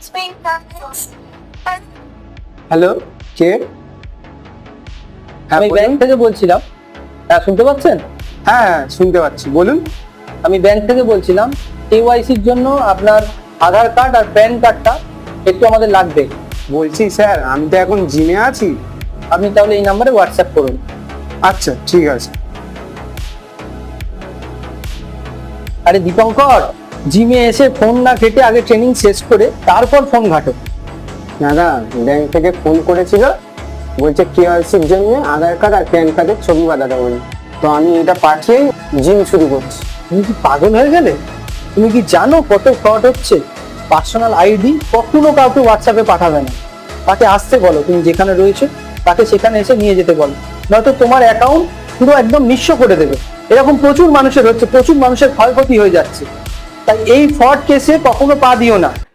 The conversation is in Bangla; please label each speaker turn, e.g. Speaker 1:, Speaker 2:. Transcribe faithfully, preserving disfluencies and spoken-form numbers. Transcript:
Speaker 1: হ্যালো, কে?
Speaker 2: আমি ব্যাংক থেকে বলছিলাম। হ্যাঁ, শুনতে পাচ্ছেন?
Speaker 1: হ্যাঁ হ্যাঁ, শুনতে পাচ্ছি, বলুন।
Speaker 2: আমি ব্যাংক থেকে বলছিলাম, কেওয়াইসির জন্য আপনার আধার কার্ড আর প্যান কার্ডটা একটু আমাদের লাগবে।
Speaker 1: বলছি স্যার, আমি তো এখন জিমে আছি।
Speaker 2: আপনি তাহলে এই নাম্বারে হোয়াটসঅ্যাপ করুন।
Speaker 1: আচ্ছা, ঠিক আছে।
Speaker 2: আরে দীপঙ্কর, জিমে এসে ফোন না ঘেটে আগে ট্রেনিং শেষ করে তারপর ফোন ঘাটো।
Speaker 1: দাদা, ব্যাংক থেকে ফোন করেছিল, বলছে কেওয়াইসির জন্য আধার কার্ড আর প্যান কার্ডের ছবি পাঠাতে বলে। তো আমি এটা পাঠিয়ে জিম শুরু করছি।
Speaker 2: তুমি কি পাগল হয়ে গেলে? তুমি কি জানো কত ফ্রড হচ্ছে? পার্সোনাল আইডি কখনো কাউকে হোয়াটসঅ্যাপে পাঠাবে না। তাকে আসতে বলো, তুমি যেখানে রয়েছে তাকে সেখানে এসে নিয়ে যেতে বলো, নয়তো তোমার অ্যাকাউন্ট পুরো একদম নিঃস্ব করে দেবে। এরকম প্রচুর মানুষের হচ্ছে, প্রচুর মানুষের ক্ষয়ক্ষতি হয়ে যাচ্ছে। তাই এই ফ্রড কেসে কখনো পা দিও না।